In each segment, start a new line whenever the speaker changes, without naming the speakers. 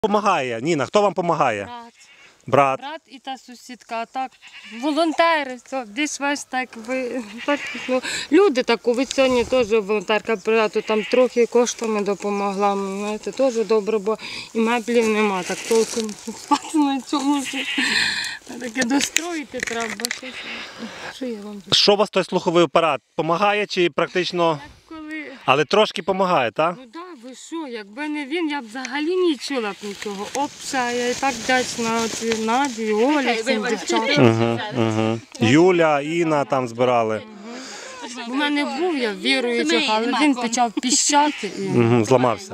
Помагає? Ніна, хто вам допомагає?
Брат.
Брат
І та сусідка, а так волонтери, все, більш-менш так, люди таку, ви сьогодні теж волонтерка брату, там трохи коштами допомогла, знаєте, теж добре, бо і меблів нема, так толком спати на цьому, таке достроїти треба, що я вам.
Що у вас той слуховий апарат? Помагає чи практично, але трошки помагає, так?
Ну так, ви що, якби не він, я б взагалі не чула б нічого. Опша, я і так вдячна Наді, Олі, всім дівчатам.
Юля, Інна там збирали.
У мене був я віруючий, але він почав піщати і
зламався.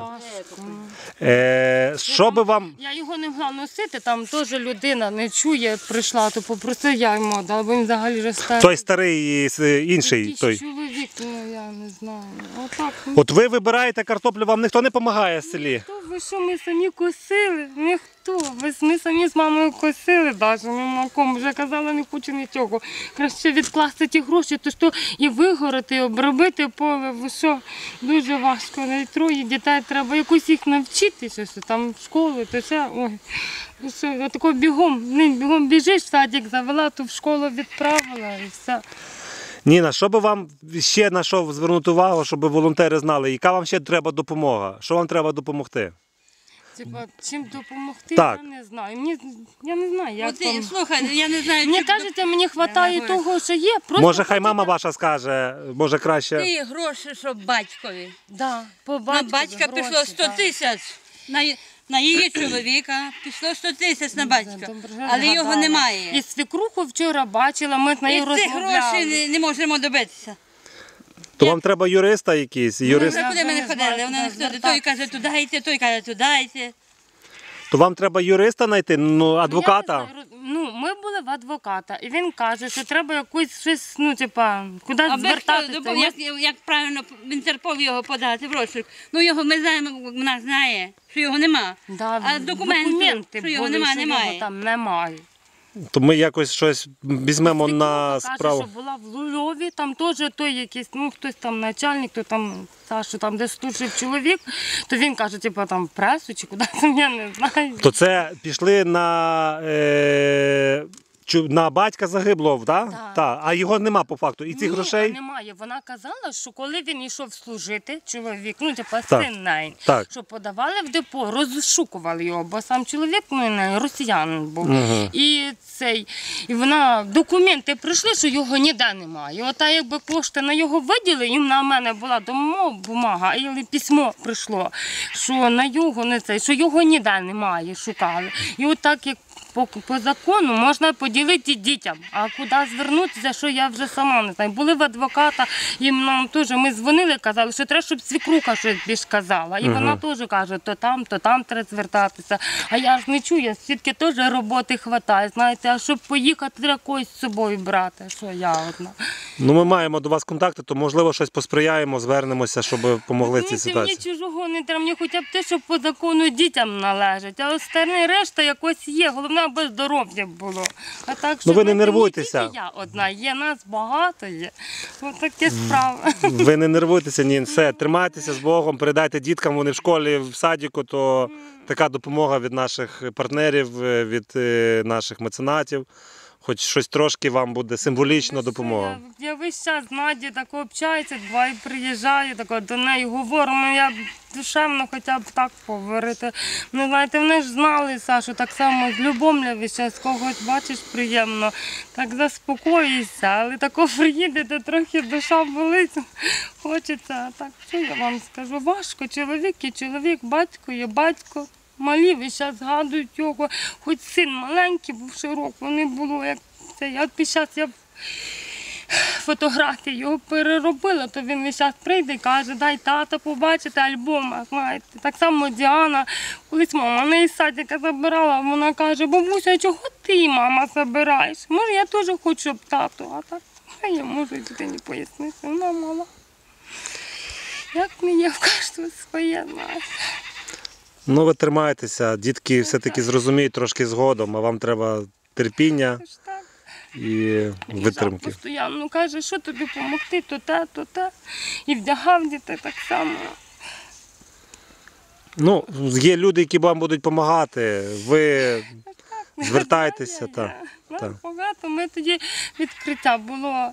Що би вам...
Я його не могла носити, там теж людина не чує, прийшла, то попросив, я йому дала, бо він взагалі вже старий.
Той старий і інший той.
Чоловік, ну я не знаю. Отак.
От ви вибираєте картоплю, вам ніхто не допомагає в селі?
Ви що, ми самі косили? Ніхто. Ми самі з мамою косили навіть, на кому вже казала, не хочу нічого. Краще відкласти ті гроші, то що і вигорати, і обробити поле, ви що, дуже важко. Навіть троє дітей, треба якось їх навчити, що там в школу, то все, ой. Я тако бігом біжиш, в садик завела, то в школу відправила і все.
Ніна, що би вам ще на що звернути увагу, щоб волонтери знали, яка вам ще треба допомога? Що вам треба допомогти?
Типа, чим допомогти,
так.
Я не знаю. Я не знаю, як там.
Слухай, я не знаю.
Мені кажете, мені вистачає того, що є. Просто
може, хай мама ваша скаже, може краще.
Ти гроші, щоб батькові.
Да, по
На батька пішло 100 тисяч. На її чоловіка пішло 100 тисяч на батька, але його немає.
І свекруху вчора бачила, ми з нею розмовляли.
І цих грошей не можемо добитися.
То вам треба юриста якийсь? Юрист...
Куди ми не ходили? Вона не ходить. Той каже, туди йти, той каже, туди йти.
То вам треба юриста знайти, адвоката?
Ну, ми були в адвоката, і він каже, що треба якусь щось, кудись звертатися.
Як правильно в Інтерпол його подати в розшук? Ну, його ми знаємо, вона знає, що його нема.
Да,
а документи, що його немає.
Його там немає.
То ми якось щось візьмемо на справу.
Каже, що була в Лульові, там теж той якийсь, хтось там начальник, то там Саша, там де служив чоловік, то він каже, там пресу чи куди, я не знаю.
То це пішли на батька загиблого, так? Так. А його нема по факту. І цих грошей?
Немає. Вона казала, що коли він йшов служити, чоловік, син неї, що подавали в депо, розшукували його, бо сам чоловік, росіянин був. І вона, документи прийшли, що його ніде немає. Ота якби кошти на його виділи, і на мене була бумага, і письмо прийшло, що на його що його ніде немає, шукали. І отак, як по закону можна поділити дітям, а куди звернутися, що я вже сама не знаю. Були в адвоката, і нам теж, ми дзвонили, казали, що треба, щоб свекруха щось більш казала. І вона теж каже, то там треба звертатися. А я ж не чую, свідки теж роботи вистачає, знаєте, а щоб поїхати, треба когось з собою брати, що я одна.
Ну, ми маємо до вас контакти, то можливо щось посприяємо, звернемося, щоб допомогли цій ситуації.
Мені чужого не треба, мені хоча б те, що по закону дітям належить, а остальне решта якось є, головне, аби здоров'я було. А так, що
ви не нервуйтеся.
Не тільки я одна, є нас багато є. Ось такі справи.
Ви не нервуйтеся, ні, все, тримайтеся з Богом, передайте діткам, вони в школі, в садіку, то така допомога від наших партнерів, від наших меценатів. Хоч щось трошки вам буде символічна допомога.
Я весь час з Надією так общаюся, буває приїжджаю, до неї говорю, я душевно хоча б так поговорити. Ну, знаєте, вони ж знали, Сашу, так само з Любомля весь час, когось бачиш приємно, так заспокоїшся, але тако приїдете, трохи душа болить, хочеться, а так, що я вам скажу, важко, чоловік і чоловік, батько є батько. Малі весь час згадують його, хоч син маленький був широк, вони було як це. Я під час фотографії його переробила, то він весь час прийде і каже, дай тата побачити альбом. Знаєте. Так само Діана, колись мама мене із садика забирала, вона каже, бабуся, чого ти, мама, забираєш? Може, я теж хочу, щоб тату, а так, я можу дитині пояснити, вона мала. Як мені в кожного своє, знаєте.
Ну, ви тримайтеся, дітки все-таки зрозуміють трошки згодом, а вам треба терпіння і витримки.
Постійно каже, що тобі допомогти, то те. І вдягав дітей так само.
Ну, є люди, які вам будуть допомагати, ви звертайтеся.
Нас багато. Ми тоді відкриття було.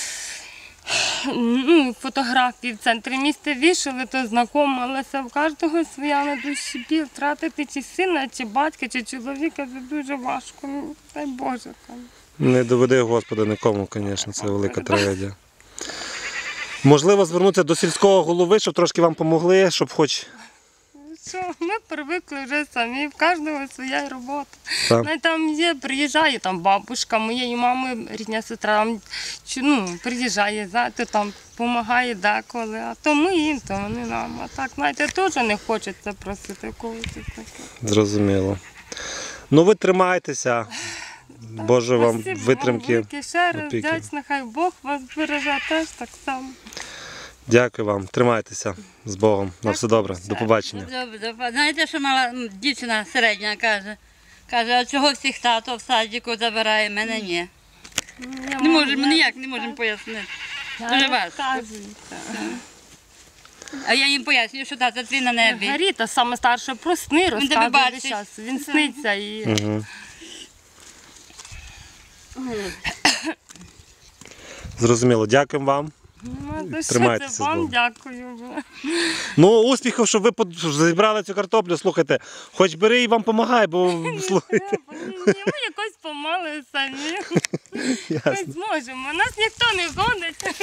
Фотографії в центрі міста вішали, то знайомилися. В кожного своя на душі біль. Втратити чи сина, чи батька, чи чоловіка це дуже важко. Ну, дай Боже. Там.
Не доведи, Господи, нікому, звісно, це велика трагедія. Можливо, звернутися до сільського голови, щоб трошки вам допомогли, щоб хоч...
Що, ми привикли вже самі, в кожного своя робота.
Так.
Навіть там є, приїжджає там бабушка моєї мами, рідня сестра, приїжджає, знаєте, там допомагає деколи, а то ми їм, то вони нам. А так, знаєте, теж не хочеться просити когось таке.
Зрозуміло. Ну, ви тримайтеся. Боже вам
Спасибо
витримки.
велике, ще раз
опіки.
вдячна, хай Бог вас береже теж так само.
Дякую вам. Тримайтеся з Богом. На все добре. До побачення.
Добре. Знаєте, що мала дівчина середня каже? Каже, а чого всіх тато в садіку забирає, мене ні. Не можемо, ніяк не можемо пояснити. Дуже важко. А я їм пояснюю, що тато твій на небі.
Гаріта, саме старша, про сни
тебе
розказує
бачить.
весь час. Він сниться і...
Угу. Зрозуміло. Дякуємо вам. Тримайтеся з
Вам
Богом.
дякую.
Ну, успіхів, щоб ви зібрали цю картоплю. Слухайте, хоч бери і вам допомагай, бо слухайте.
Ми якось помали самі. Ми зможемо. Нас ніхто не гонить.